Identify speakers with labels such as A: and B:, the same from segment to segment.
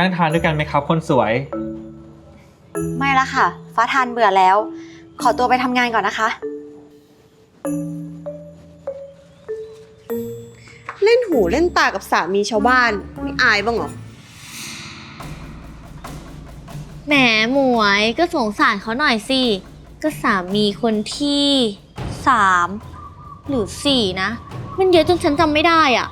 A: นั่งทานด้วยกันไหมครับคนสวย
B: ไม่ละค่ะฟ้าทานเบื่อแล้วขอตัวไปทำงานก่อนนะคะ
C: เล่นหูเล่นตากับสามีชาวบ้านไม่อายบ้างเหรอ
D: แหมหมวยก็สงสารเขาหน่อยสิก็สามีคนที่3หรือ4นะมันเยอะจนฉันจำไม่ได้อ่ะ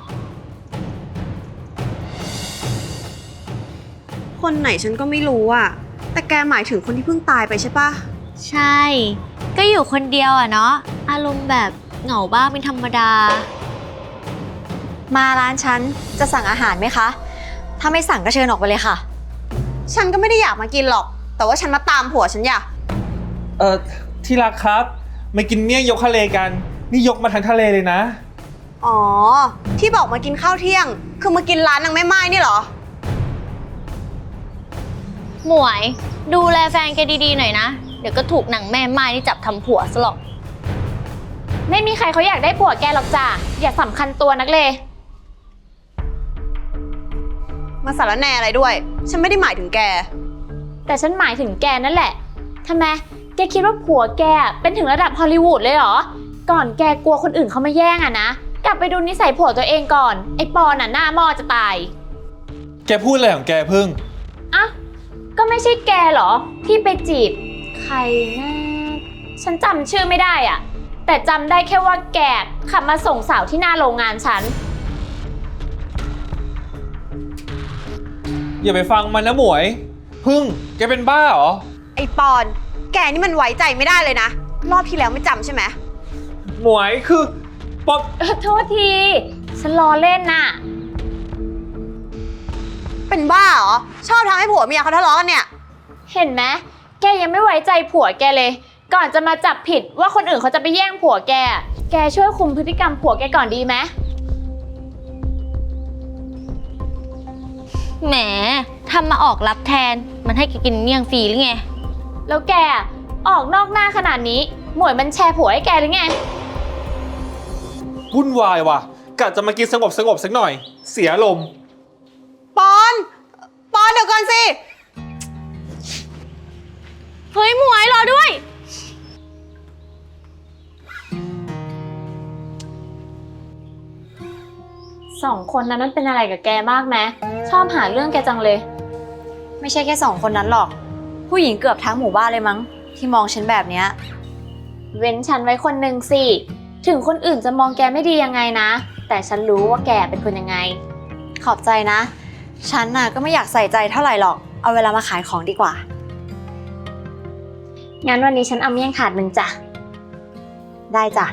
C: คนไหนฉันก็ไม่รู้อะแต่แกหมายถึงคนที่เพิ่งตายไปใช่ปะ
D: ใช่ก็อยู่คนเดียวอ่ะเนาะอารมณ์แบบเหงาบ้างเป็นธรรมดา
B: มาร้านฉันจะสั่งอาหารไหมคะถ้าไม่สั่งก็เชิญออกไปเลยค่ะ
C: ฉันก็ไม่ได้อยากมากินหรอกแต่ว่าฉันมาตามผัวฉันอยาก
A: ที่รักครับมากินเมี่ยงยกทะเลกันนี่ยกมาทั้งทะเลเลยนะ
C: อ๋อที่บอกมากินข้าวเที่ยงคือมากินร้านนางแม่ไม้นี่เหรอ
D: หมวยดูแลแฟนแกดีๆหน่อยนะเดี๋ยวก็ถูกหนังแม่ไม้นี่จับทำผัวซะหรอก
E: ไม่มีใครเขาอยากได้ผัวแกหรอกจ้ะอย่าสำคัญตัวนักเลย
C: มาสารแหน่อะไรด้วยฉันไม่ได้หมายถึงแก
E: แต่ฉันหมายถึงแกนั่นแหละทำไมแกคิดว่าผัวแกเป็นถึงระดับฮอลลีวูดเลยเหรอก่อนแกกลัวคนอื่นเขามาแย่งอะนะกลับไปดูนิสัยผัวตัวเองก่อนไอ้ปอนน่ะหน้าหม้อจะตาย
A: แกพูดอะไรของแกพึ่ง
E: อ่ะก็ไม่ใช่แกเหรอที่ไปจีบใครนะฉันจำชื่อไม่ได้อะแต่จำได้แค่ว่าแกขับมาส่งสาวที่หน้าโรงงานฉัน
A: อย่าไปฟังมันนะหมวยพึ่งแกเป็นบ้าเหรอ
C: ไอ้ปอนแกนี่มันไว้ใจไม่ได้เลยนะรอบที่แล้วไม่จำใช่ไหม
A: หมวยคือป๊อป
E: โทษทีฉันล้อเล่นน่ะ
C: เป็นบ้าเหรอชอบทำให้ผัวเมียเขาทะเลาะกันเนี่ย
E: เห็นไหมแกยังไม่ไว้ใจผัวแกเลยก่อนจะมาจับผิดว่าคนอื่นเขาจะไปแย่งผัวแกแกช่วยคุมพฤติกรรมผัวแกก่อนดีไหม
D: แหมทำมาออกรับแทนมันให้แกกินเมี่ยงฟรีหรือไง
E: แล้วแกออกนอกหน้าขนาดนี้หมวยมันแชร์ผัวให้แกหรือไง
A: วุ่นวายว่ะกะจะมากินสงบสักหน่อยเสียลม
C: ปอนเดี๋ยวก่อนสิ
D: เฮ้ยหมวยรอด้วย
E: 2 คนนั้นมันเป็นอะไรกับแกมากไหมชอบหาเรื่องแกจังเลย
B: ไม่ใช่แค่2 คนนั้นหรอกผู้หญิงเกือบทั้งหมู่บ้านเลยมั้งที่มองฉันแบบเนี้ย
E: เว้นฉันไว้คนหนึ่งสิถึงคนอื่นจะมองแกไม่ดียังไงนะแต่ฉันรู้ว่าแกเป็นคนยังไง
B: ขอบใจนะฉันน่ะก็ไม่อยากใส่ใจเท่าไหร่หรอกเอาเวลามาขายของดีกว่า
E: งั้นวันนี้ฉันเอาเมี่ยงถาด1จ้ะ
B: ได้จ้ะ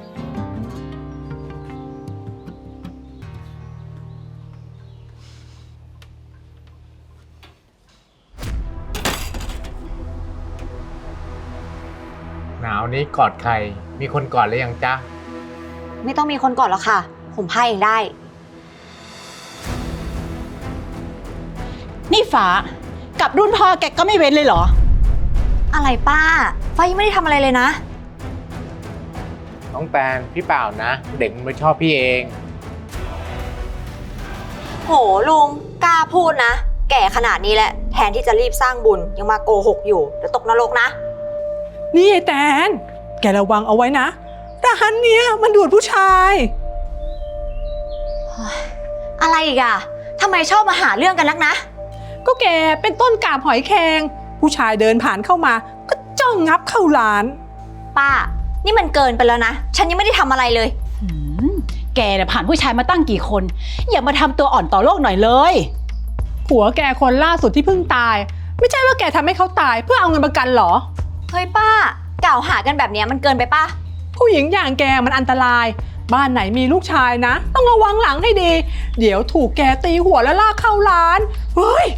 F: หนาวนี้กอดใครมีคนกอดหรือยังจ๊ะ
B: ไม่ต้องมีคนก่อนหรอกค่ะผมพายเองได้
G: นี่ฟ้ากับรุ่นพ่อแกก็ไม่เว้นเลยเหรอ
B: อะไรป้าฟ้ายังไม่ได้ทำอะไรเลยนะ
F: น้องแตนพี่เปล่านะเด็กมันไม่ชอบพี่เอง
B: โหลุงกล้าพูดนะแก่ขนาดนี้แหละแทนที่จะรีบสร้างบุญยังมาโกหกอยู่เดี๋ยวตกนรกนะ
G: นี่ไอ้แตนแกระวังเอาไว้นะร้านเนี้ยมันดูดผู้ชาย
B: อะไรอีกอะทำไมชอบมาหาเรื่องกันนักนะ
G: ก็แกเป็นต้นกาบหอยแครงผู้ชายเดินผ่านเข้ามาก็จ้องงับเข้าร้าน
B: ป้านี่มันเกินไปแล้วนะฉันยังไม่ได้ทำอะไรเลย
G: แกเนี่ยผ่านผู้ชายมาตั้งกี่คนอย่ามาทำตัวอ่อนต่อโลกหน่อยเลยผัวแกคนล่าสุดที่เพิ่งตายไม่ใช่ว่าแกทำให้เขาตายเพื่อเอาเงินประกันหรอ
B: เฮ้ยป้ากล่าวหากันแบบนี้มันเกินไปป่ะ
G: ผู้หญิงอย่างแกมันอันตรายบ้านไหนมีลูกชายนะต้องระวังหลังให้ดีเดี๋ยวถูกแกตีหัวแล้วลากเข้าร้านเฮ้ย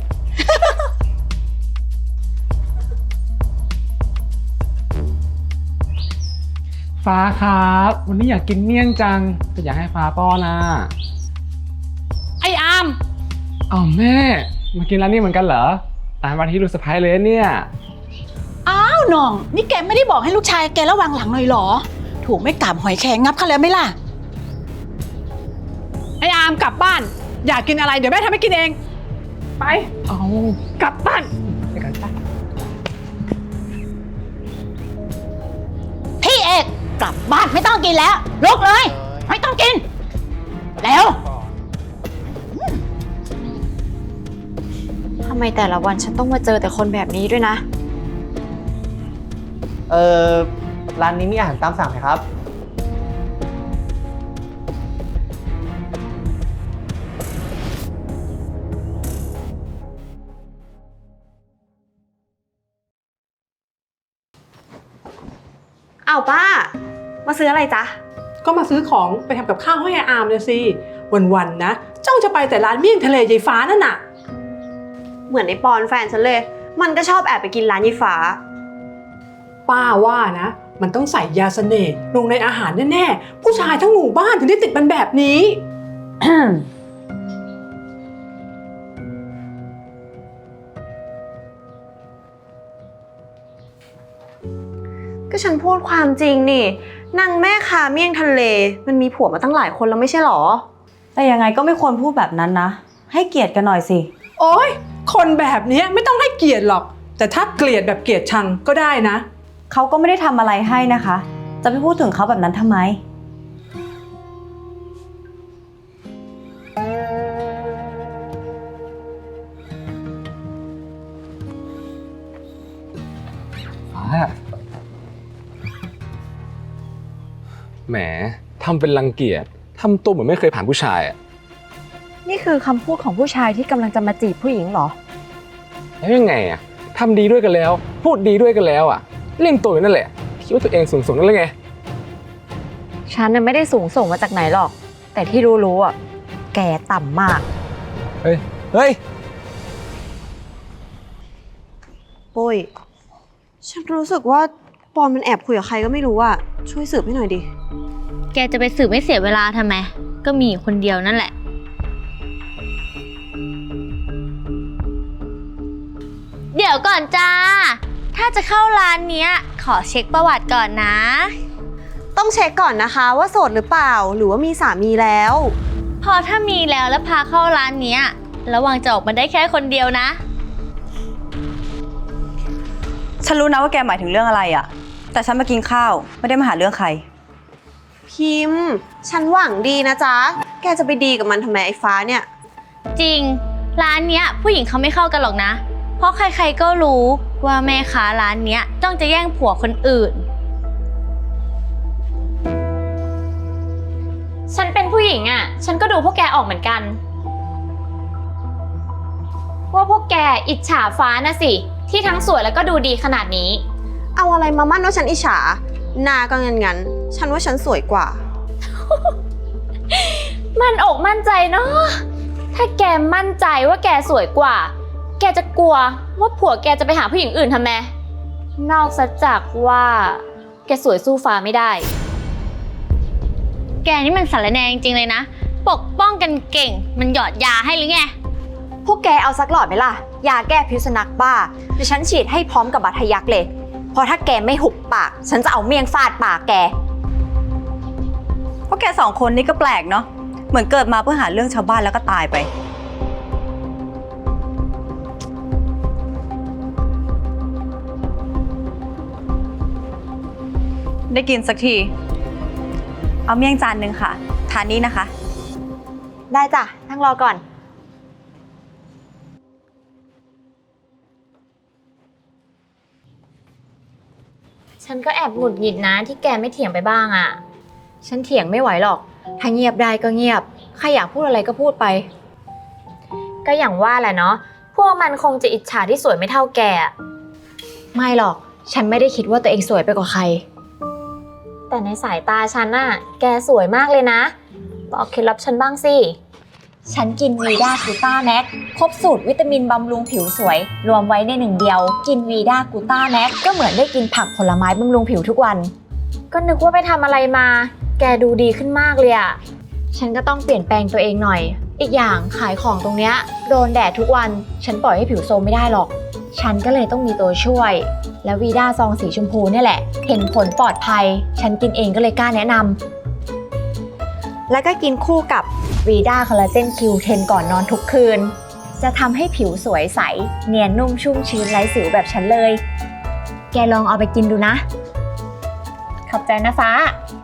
H: ฟ้าครับวันนี้อยากกินเมี่ยงจังแต่อยากให้ฟ้าป้อนนะ
G: ไอ้อาม
H: อ้าวแม่มากินร้านนี้เหมือนกันเหรอตามวันที่ลูกสะใภ้เลยเนี่ย
G: อ้าวน้องนี่แกไม่ได้บอกให้ลูกชายแกระวังหลังหน่อยหรอถูกไม่กลับหอยแครงงับเขาแล้วไหมล่ะไอ้อามกลับบ้านอยากกินอะไรเดี๋ยวแม่ทำให้กินเองไปเอากลับบ้านไปกันไป
I: พี่เอกกลับบ้านไม่ต้องกินแล้วลุกเลย ไม่ต้องกินแล้ว
B: ทำไมแต่ละวันฉันต้องมาเจอแต่คนแบบนี้ด้วยนะ
J: ร้านนี้มีอาหารตามสั่งไหมครับ
C: เอาป้า มาซื้ออะไรจ๊ะ
G: ก็มาซื้อของไปทำกับข้าวให้อาอามเลยสิวันๆนะเจ้าจะไปแต่ร้านเมี่ยงทะเลยายฟ้านั่นน่ะ
C: เหมือนไอ้ปอนแฟนฉันเลย มันก็ชอบแอบไปกินร้านยี่ฟ้า
G: ป้าว่านะ มันต้องใส่ยาเสน่ห์ลงในอาหารแน่ๆผู้ชายทั้งหมู่บ้านถึงได้ติดมันแบบนี้
C: ก็ฉันพูดความจริงนี่นางแม่ค้าเมี่ยงทะเล มันมีผัวมาตั้งหลายคนแล้วไม่ใช่หรอ
B: แต่ยังไงก็ไม่ควรพูดแบบนั้นนะ ให้เกียรติกันหน่อยสิ
G: โอ๊ยคนแบบนี้ไม่ต้องให้เกียรติหรอก แต่ถ้าเกลียดแบบเกลียดชังก็ได้นะ
B: เขาก็ไม่ได้ทำอะไรให้นะคะ จะไปพูดถึงเขาแบบนั้นทำไม
H: แหมทำเป็นรังเกียจทำตัวเหมือนไม่เคยผ่านผู้ชายอะ
B: นี่คือคำพูดของผู้ชายที่กำลังจะมาจีบผู้หญิงเหรอ
H: แล้วยังไงอะทำดีด้วยกันแล้ว พูดดีด้วยกันแล้วอะเล่นตัวอยู่นั่นแหละคิดว่าตัวเองสูงนั่นแหละไง
B: ฉันน่ะไม่ได้สูงส่งมาจากไหนหรอก แต่ที่รู้ๆอ่ะ แกต่ำมาก
H: เฮ้ย
C: ปุ้ย ฉันรู้สึกว่าปอนมันแอบคุยกับใครก็ไม่รู้อะช่วยสืบให้หน่อยดิ
D: แกจะไปสืบไม่เสียเวลาทำไม ก็มีอยู่คนเดียวนั่นแหละ เดี๋ยวก่อนจ้า ถ้าจะเข้าร้านเนี้ย ขอเช็คประวัติก่อนนะ
C: ต้องเช็คก่อนนะคะว่าโสดหรือเปล่า หรือว่ามีสามีแล้ว
D: พอถ้ามีแล้วพาเข้าร้านเนี้ย ระวังจะออกมาได้แค่คนเดียวนะ
B: ฉันรู้นะว่าแกหมายถึงเรื่องอะไรอะแต่ฉันมากินข้าวไม่ได้มาหาเรื่องใคร
C: พิมพ์ ฉันหวังดีนะจ๊ะ แกจะไปดีกับมันทำไมไอ้ฟ้าเนี่ย
D: จริง ร้านเนี้ยผู้หญิงเขาไม่เข้ากันหรอกนะ เพราะใครๆก็รู้ว่าแม่ค้าร้านเนี้ยจ้องจะแย่งผัวคนอื่น
E: ฉันเป็นผู้หญิงอ่ะ ฉันก็ดูพวกแกออกเหมือนกัน ว่าพวกแกอิจฉาฟ้านะสิ ที่ทั้งสวยแล้วก็ดูดีขนาดนี้
C: เอาอะไรมามั่นว่าฉันอิจฉาหน้าก็งั้นๆฉันว่าฉันสวยกว่า
E: มั่นอกมั่นใจเนาะ ถ้าแกมั่นใจว่าแกสวยกว่า แกจะกลัวว่าผัวแกจะไปหาผู้หญิงอื่นทำไม นอกจากว่าแกสวยสู้ฟ้าไม่ได้
D: แกนี่มันสารแหนงจริงๆเลยนะ ปกป้องกันเก่ง มันหยอดยาให้หรือไง
B: พวกแกเอาสักหลอดไหมล่ะ ยาแก้พิษสุนัขบ้าเดี๋ยวฉันฉีดให้พร้อมกับบาดทะยักเลย เพราะถ้าแกไม่หุบปาก ฉันจะเอาเมี่ยงฟาดปากแก พวกแกสองคนนี่ก็แปลกเนาะ เหมือนเกิดมาเพื่อหาเรื่องชาวบ้านแล้วก็ตายไป ได้กินสักที เอาเมี่ยงจานหนึ่งค่ะ ทานนี้นะคะ ได้จ้ะ นั่งรอก่อน
E: ฉันก็แอบหงุดหงิดนะที่แกไม่เถียงไปบ้างอ่ะ
B: ฉันเถียงไม่ไหวหรอก ถ้าเงียบได้ก็เงียบ ใครอยากพูดอะไรก็พูดไป
E: ก็อย่างว่าแหละเนาะ พวกมันคงจะอิจฉาที่สวยไม่เท่าแกอะ
B: ไม่หรอก ฉันไม่ได้คิดว่าตัวเองสวยไปกว่าใคร
E: แต่ในสายตาฉันน่ะ แกสวยมากเลยนะ บอกเคล็ดลับฉันบ้างสิ
B: ฉันกินวีด้ากูต้าแม็กครบสูตรวิตามินบำรุงผิวสวย รวมไว้ในหนึ่งเดียว กินวีด้ากูต้าแม็กก็เหมือนได้กินผักผลไม้บำรุงผิวทุกวัน
E: ก็นึกว่าไปทำอะไรมา แกดูดีขึ้นมากเลยอะ
B: ฉันก็ต้องเปลี่ยนแปลงตัวเองหน่อย อีกอย่างขายของตรงเนี้ยโดนแดดทุกวัน ฉันปล่อยให้ผิวโทรมไม่ได้หรอก ฉันก็เลยต้องมีตัวช่วย และวีด้าซองสีชมพูเนี่ยแหละ เห็นผลปลอดภัย ฉันกินเองก็เลยกล้าแนะนำ แล้วก็กินคู่กับวีด้าคอลลาเจนคิวเทนก่อนนอนทุกคืนจะทำให้ผิวสวยใส เนียนนุ่มชุ่มชื้นไร้สิวแบบฉันเลย แกลองเอาไปกินดูนะ ขอบใจนะฟ้า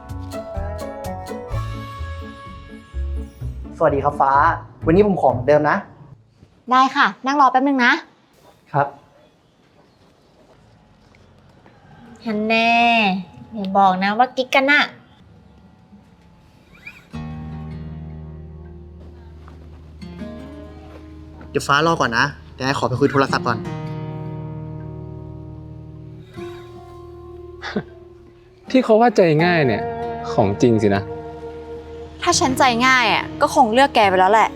J: สวัสดีครับฟ้า วันนี้ผมขอเหมือนเดิมนะ
B: ได้ค่ะ นั่งรอแป๊บนึงนะ
J: ครับ
B: ฮันแน่อย่าบอกนะว่ากิ๊กกันน่ะ
J: เดี๋ยวฟ้ารอก่อนนะเดี๋ยวไอ้ขอไปคุยโทรศัพท์ก่อน
H: ที่เขาว่าใจง่ายเนี่ยของจริงสินะ
C: ถ้าฉันใจง่ายอ่ะก็คงเลือกแกไปแล้วแหละ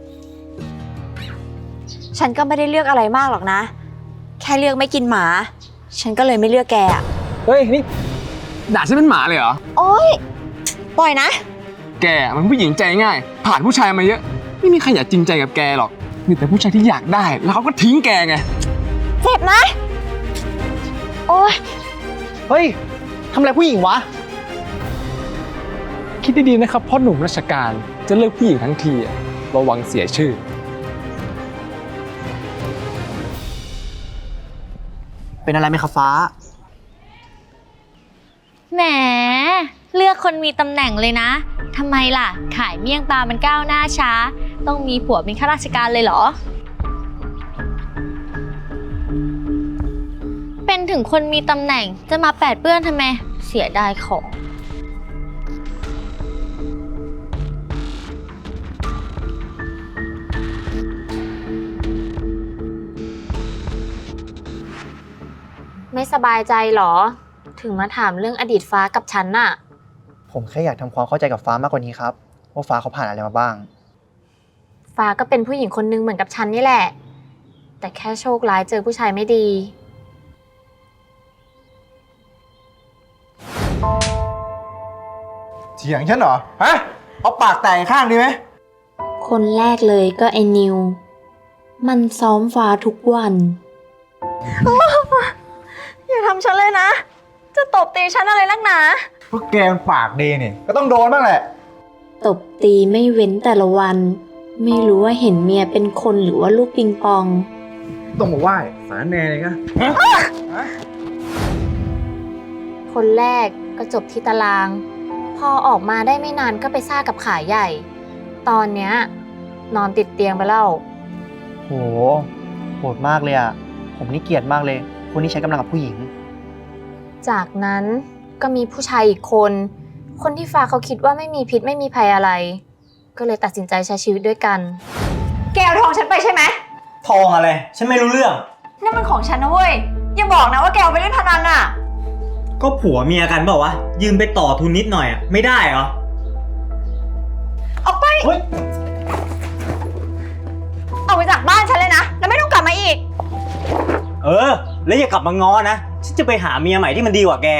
C: ฉันก็ไม่ได้เลือกอะไรมากหรอกนะ แค่เลือกไม่กินหมา ฉันก็เลยไม่เลือกแกอ่ะ
H: เฮ้ยนี่ด่าฉันเป็นหมาเลยเหรอ
C: โอ๊ย ปล่อยนะ
H: แกมันผู้หญิงใจง่าย ผ่านผู้ชายมาเยอะ ไม่มีใครอยากจริงใจกับแกหรอกมีแต่ผู้ชายที่อยากได้แล้วเขาก็ทิ้งแกไง
C: เจ็บนะ โอ๊ย
J: เฮ้ยทำอะไรผู้หญิงวะ
H: คิดดีๆนะครับพ่อหนุ่มราชการจะเลือกผู้หญิงทั้งทีอะระวังเสียชื่อ
J: เป็นอะไรไหมครับฟ้า
D: แหม เลือกคนมีตำแหน่งเลยนะ ทำไมล่ะ ขายเมี่ยงปลามันก้าวหน้าช้า ต้องมีผัวเป็นข้าราชการเลยเหรอ เป็นถึงคนมีตำแหน่งจะมาแปดเปื้อนทำไม เสียดายของ
E: ไม่สบายใจเหรอ ถึงมาถามเรื่องอดีตฟ้ากับฉันน่ะ
J: ผมแค่อยากทำความเข้าใจกับฟ้ามากกว่านี้ครับว่าฟ้าเขาผ่านอะไรมาบ้าง
E: ฟ้าก็เป็นผู้หญิงคนนึงเหมือนกับฉันนี่แหละ แต่แค่โชคร้ายเจอผู้ชายไม่ดี
J: เถียงฉันเหรอ ฮะ เอาปากแตกข้างดีไหม
K: คนแรกเลยก็ไอ้นิว มันซ้อมฟ้าทุกวัน
C: อย่าทำฉันเลยนะ จะตบตีฉันอะไรนักหนา
J: พวกแกมันปากดีนี่ก็ต้องโดนบ้างแหละ
K: ตบตีไม่เว้นแต่ละวัน ไม่รู้ว่าเห็นเมียเป็นคนหรือว่าลูกปิงปอง
J: ต้องมาไหว้สารแน่เลยนะ
E: คนแรกก็จบที่ตาราง พอออกมาได้ไม่นานก็ไปซ่ากับขาใหญ่ ตอนเนี้ยนอนติดเตียงไปแล้ว
J: โหโหดมากเลยอ่ะ ผมนี่เกลียดมากเลย คนที่ใช้กำลังกับผู้หญิง
E: จากนั้นก็มีผู้ชายอีกคน คนที่ฟ้าเขาคิดว่าไม่มีพิษไม่มีภัยอะไร ก็เลยตัดสินใจใช้ชีวิตด้วยกัน
C: แกเอาทองฉันไปใช่ไหม
J: ทองอะไร ฉันไม่รู้เรื่อง
C: นั่นมันของฉันนะเว้ย อย่าบอกนะว่าแกเอาไปเล่นพนันอ่ะ
L: ก็ผัวเมียกันเปล่าวะ ยืมไปต่อทุนนิดหน่อยอ่ะ ไม่ได้เหรอ
C: ออกไป
J: เฮ้ย
C: ออกไปจากบ้านฉันเลยนะ แล้วไม่ต้องกลับมาอีก
L: เออ แล้วอย่ากลับมาง้อนะ ฉันจะไปหาเมียใหม่ที่มันดีกว่าแก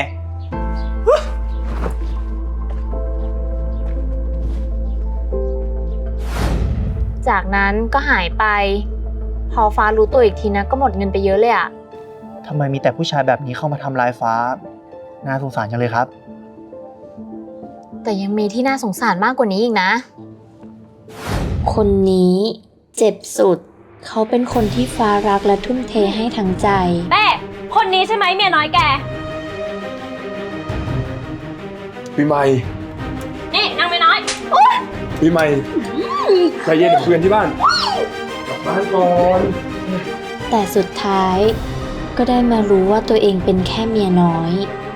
E: จากนั้นก็หายไป พอฟ้ารู้ตัวอีกทีนะก็หมดเงินไปเยอะเลยอะ
J: ทำไมมีแต่ผู้ชายแบบนี้เข้ามาทำร้ายฟ้า น่าสงสารจังเลยครับ
E: แต่ยังมีที่น่าสงสารมากกว่านี้อีกนะ
K: คนนี้เจ็บสุด เขาเป็นคนที่ฟ้ารักและทุ่มเทให้ทั้งใจ
D: แม่คนนี้ใช่ไหมเมียน้อยแก
H: ปีใหม่
D: นี่นางเมียน้อย
H: ปีใหม่ใจเย็นคุยกันที่บ้านกลับบ้านก่อน
K: แต่สุดท้ายก็ได้มารู้ว่าตัวเองเป็นแค่เมียน้อย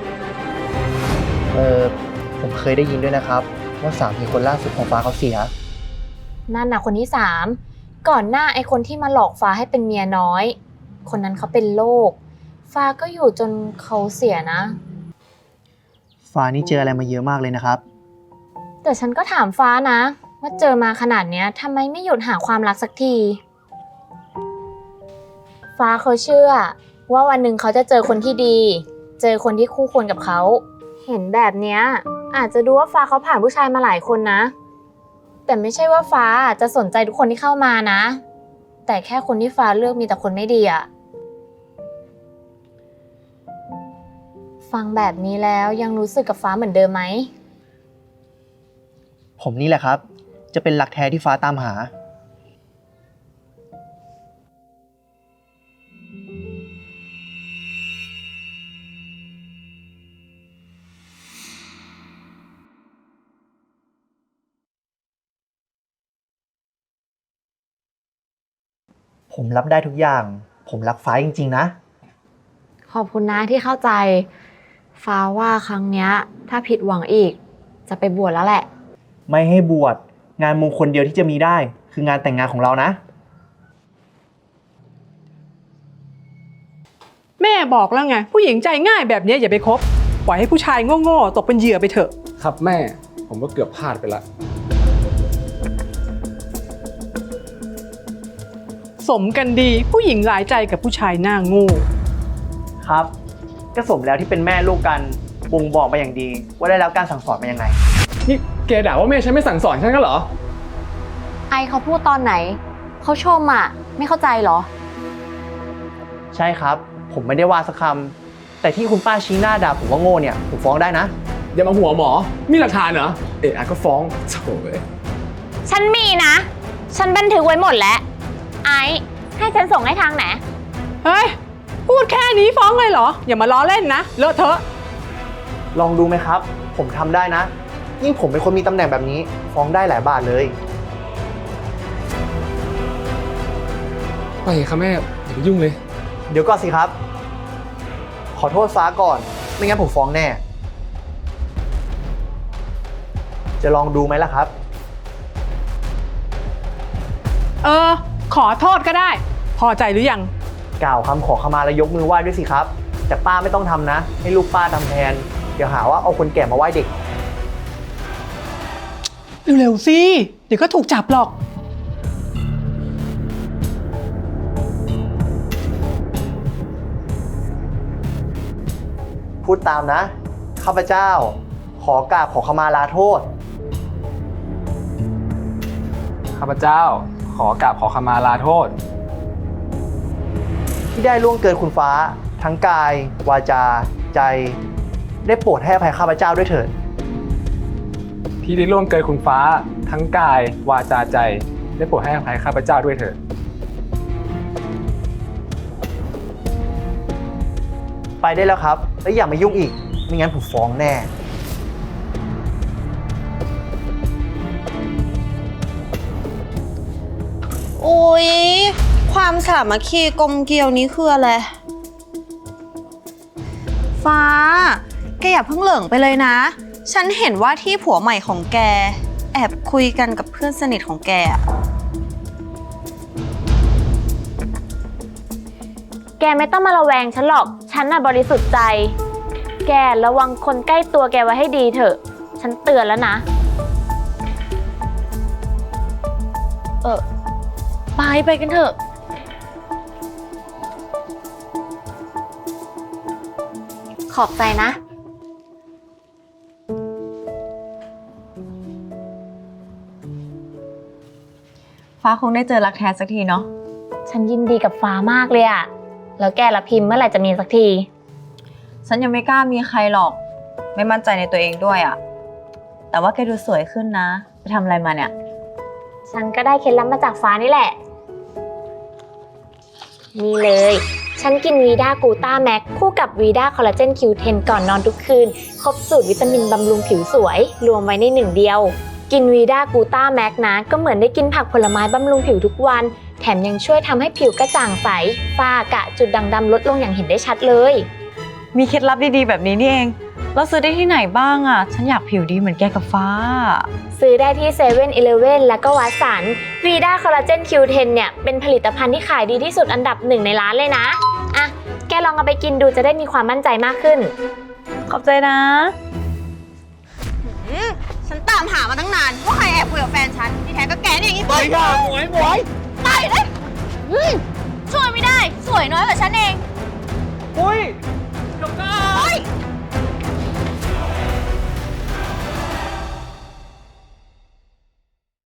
J: ผมเคยได้ยินด้วยนะครับ ว่าสามีคนล่าสุดของฟ้าเขาเสีย
E: นั่นน่ะคนที่สามก่อนหน้าไอ้คนที่มาหลอกฟ้าให้เป็นเมียน้อย คนนั้นเขาเป็นโรคฟ้าก็อยู่จนเขาเสียนะ
J: ฟ้านี่เจออะไรมาเยอะมากเลยนะครับ
E: แต่ฉันก็ถามฟ้านะว่าเจอมาขนาดเนี้ยทำไมไม่หยุดหาความรักสักที ฟ้าเขาเชื่อว่าวันหนึ่งเขาจะเจอคนที่ดี เจอคนที่คู่ควรกับเขา เห็นแบบเนี้ยอาจจะดูว่าฟ้าเขาผ่านผู้ชายมาหลายคนนะ แต่ไม่ใช่ว่าฟ้าจะสนใจทุกคนที่เข้ามานะ แต่แค่คนที่ฟ้าเลือกมีแต่คนไม่ดีอะฟังแบบนี้แล้วยังรู้สึกกับฟ้าเหมือนเดิมไหม
J: ผมนี่แหละครับ จะเป็นหลักแท้ที่ฟ้าตามหาผมรับได้ทุกอย่าง ผมรักฟ้าจริงๆนะ
B: ขอบคุณนะที่เข้าใจ ฟ้าว่าครั้งเนี้ยถ้าผิดหวังอีก จะไปบวชแล้วแหละ
J: ไม่ให้บวช งานมงคลเดียวที่จะมีได้ คืองานแต่งงานของเรานะ
G: แม่บอกแล้วไง ผู้หญิงใจง่ายแบบนี้อย่าไปคบ ปล่อยให้ผู้ชายโง่ๆตกเป็นเหยื่อไปเถอะ
H: ครับแม่ ผมก็เกือบพลาดไปละ
G: สมกันดีผู้หญิงหลายใจกับผู้ชายหน้าโง่
J: ครับ ก็สมแล้วที่เป็นแม่ลูกกันบ่งบอกมาอย่างดี ว่าได้รับการสั่งสอนมายังไง
H: นี่แกด่าว่าแม่ฉันไม่สั่งสอนฉันก็เหรอ
B: ไอเขาพูดตอนไหน เขาชมอ่ะ ไม่เข้าใจเหรอ
J: ใช่ครับ ผมไม่ได้ว่าสักคำ แต่ที่คุณป้าชี้หน้าด่าผมว่าโง่เนี่ย ผมฟ้องได้นะ
H: อย่ามาหัวหมอ มีหลักฐานเหรอ เอ๊ะก็ฟ้องโถ่เอ้ย
E: ฉันมีนะ ฉันบันทึกไว้หมดแล้ว ไอซ์ให้ฉันส่งให้ทางไหน
G: เฮ้ย พูดแค่นี้ฟ้องเลยเหรอ อย่ามาล้อเล่นนะ เลอะเทอะ
J: ลองดูไหมครับ ผมทำได้นะ ยิ่งผมเป็นคนมีตำแหน่งแบบนี้ ฟ้องได้หลายบาทเลย
H: ไปครับแม่ อย่าไปยุ่งเลย
J: เดี๋ยวก่อนสิครับ ขอโทษฟ้าก่อน ไม่งั้นผมฟ้องแน่ จะลองดูไหมล่ะครับ
G: ขอโทษก็ได้ พอใจหรือยัง
J: กล่าวคำขอขมาแล้วยกมือไหว้ด้วยสิครับ แต่ป้าไม่ต้องทำนะ ให้ลูกป้าทำแทน เดี๋ยวหาว่าเอาคนแก่มาไหว้เด็ก
G: เร็วๆสิ เดี๋ยวก็ถูกจับหรอก
J: พูดตามนะ ข้าพเจ้า ขอกราบขอขมาลาโทษ
H: ข้าพเจ้า ขอกราบขอขมาลาโทษ
J: ที่ได้ล่วงเกินคุณฟ้า ทั้งกาย วาจา ใจ ได้โปรดให้อภัยข้าพเจ้าด้วยเถิด
H: ที่ได้ร่วมเกินคุณฟ้า ทั้งกาย วาจาใจ ได้โปรดให้อภัยข้าพเจ้าด้วยเถิด
J: ไปได้แล้วครับ แล้วอย่ามายุ่งอีก ไม่งั้นผมฟ้องแน่
C: โอ้ยความสามัคคีกลมเกลียวนี้คืออะไร ฟ้า แกอย่าเพิ่งเหลิงไปเลยนะ ฉันเห็นว่าที่ผัวใหม่ของแก แอบคุยกันกับเพื่อนสนิทของแกอะ
E: แกไม่ต้องมาระแวงฉันหรอก ฉันน่ะบริสุทธิ์ใจ แกระวังคนใกล้ตัวแกไว้ให้ดีเถอะ ฉันเตือนแล้วนะ
D: ไปกันเถอะ
B: ขอบใจนะ
C: ฟ้าคงได้เจอรักแท้สักทีเนาะ
E: ฉันยินดีกับฟ้ามากเลยอะแล้วแกละพิมพ์เมื่อไหร่จะมีสักที
C: ฉันยังไม่กล้ามีใครหรอก ไม่มั่นใจในตัวเองด้วยอะแต่ว่าแกดูสวยขึ้นนะ ไปทำอะไรมาเนี่ย
E: ฉันก็ได้เคล็ดลับมาจากฟ้านี่แหละ นี่เลย ฉันกินวีด้ากูต้าแม็กคู่กับวีด้าคอลลาเจน Q10 ก่อนนอนทุกคืน ครบสูตรวิตามินบำรุงผิวสวย รวมไว้ในหนึ่งเดียว กินวีด้ากูต้าแม็กนะ ก็เหมือนได้กินผักผลไม้บำรุงผิวทุกวัน แถมยังช่วยทำให้ผิวกระจ่างใส ฝ้ากระจุดด่างดำลดลงอย่างเห็นได้ชัดเลย
C: มีเคล็ดลับดีๆแบบนี้นี่เอง แล้วซื้อได้ที่ไหนบ้างอะฉันอยากผิวดีเหมือนแกกับฟ้า
E: ซื้อได้ที่เซเว่นอีเลฟเว่นแล้วก็วัดสันวีด้าคอลลาเจน Q10 เนี่ยเป็นผลิตภัณฑ์ที่ขายดีที่สุดอันดับหนึ่งในร้านเลยนะอ่ะแกลองเอาไปกินดูจะได้มีความมั่นใจมากขึ้น
C: ขอบใจนะฉันตามหามาตั้งนานว่าใครแอบคุยกับแฟนฉันที่แท้ก็แกนี่อย่างนี้ไปค่ะหมวยไปเลยช่วยไม่ได้ สวยน้อยกว่าฉันเอง
A: อุ้ย
C: เฮ้ยท